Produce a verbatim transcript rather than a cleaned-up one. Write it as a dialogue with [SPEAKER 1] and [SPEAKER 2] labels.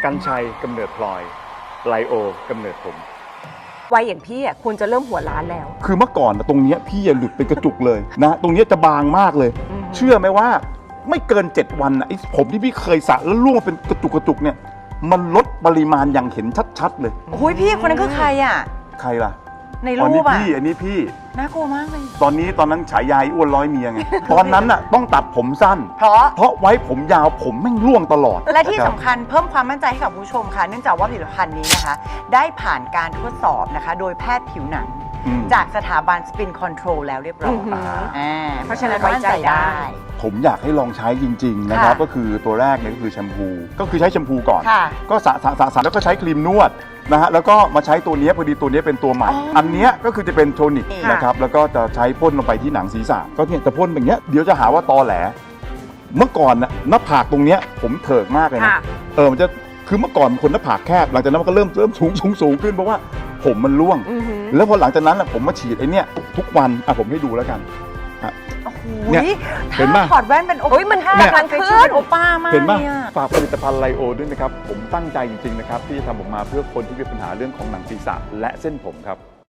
[SPEAKER 1] กัญชัยกำเนิดพลอยไลโอกำเนิดผม
[SPEAKER 2] วัยอย่างพี่อ่ะควรจะเริ่มหัวล้านแล้ว
[SPEAKER 3] คือเมื่อก่อนตรงนี้พี่อย่าหลุดเป็นกระจุกเลยนะตรงนี้จะบางมากเลยเชื่อไหมว่าไม่เกินเจ็ดวันนะไอ้ผมที่พี่เคยสระแล้วร่วงเป็นกระจุกกระจุกเนี่ยมันลดปริมาณอย่างเห็นชัดๆเลย
[SPEAKER 4] โอ้ยพี่คนนั้นคือใครอ่ะ
[SPEAKER 3] ใครล่ะ
[SPEAKER 4] ในรูปอ่ะ
[SPEAKER 3] อันนี้พี่อันนี้พี่
[SPEAKER 4] น่ากลัวมากเลย
[SPEAKER 3] ตอนนี้ตอนนั้นฉายายอ้วนร้อยเมียไง ตอนนั้นน่ะต้องตัดผมสั้น
[SPEAKER 4] เพราะ
[SPEAKER 3] เพราะไว้ผมยาวผมแม่งร่วงตลอด
[SPEAKER 4] และที่สำคัญเพิ่มความมั่นใจให้กับผู้ชมค่ะเนื่องจากว่าผลิตภัณฑ์นี้นะคะได้ผ่านการทดสอบนะคะโดยแพทย์ผิวหนังจากสถาบันสปินคอนโทรลแล้วเรียบร้อย
[SPEAKER 2] เพราะฉะนั้นไว้ใจได้
[SPEAKER 3] ผมอยากให้ลองใช้จริงๆนะครับก็คือตัวแรกเนี่ยก็คือแชมพูก็คือใช้แชมพูก่อนก็สระสระสระสระแล้วก็ใช้ครีมนวดนะฮะแล้วก็มาใช้ตัวนี้พอดีตัวนี้เป็นตัวใหม่อันนี้ก็คือจะเป็นโทนิกนะครับแล้วก็จะใช้พ่นลงไปที่หนังศีรษะก็เนี่ยจะพ่นแบบนี้เดี๋ยวจะหาว่าตอแหลเมื่อก่อนนะหน้าผากตรงเนี้ยผมเถิกมากเลยนะเออมันจะคือเมื่อก่อนคนหน้าผากแคบหลังจากนั้นมันก็เริ่มเริ่มสูงสูงสูงขึ้นเพราะว่าผมมันร่วงแล้วพอหลังจากนั้นผมมาฉีดไอ้นี่ทุกวันอ่ะผมให้ดูแล้วกัน
[SPEAKER 4] เนี่ยเห็นไหมถอดแว่นเป็นโอ้ยมันท่าการขึ้นโอป้ามาก
[SPEAKER 3] เห็นไหมฝากผลิตภัณฑ์ไลโอด้วยนะครับผมตั้งใจจริงๆนะครับที่จะทำออกมาเพื่อคนที่มีปัญหาเรื่องของหนังศีรษะและเส้นผมครับ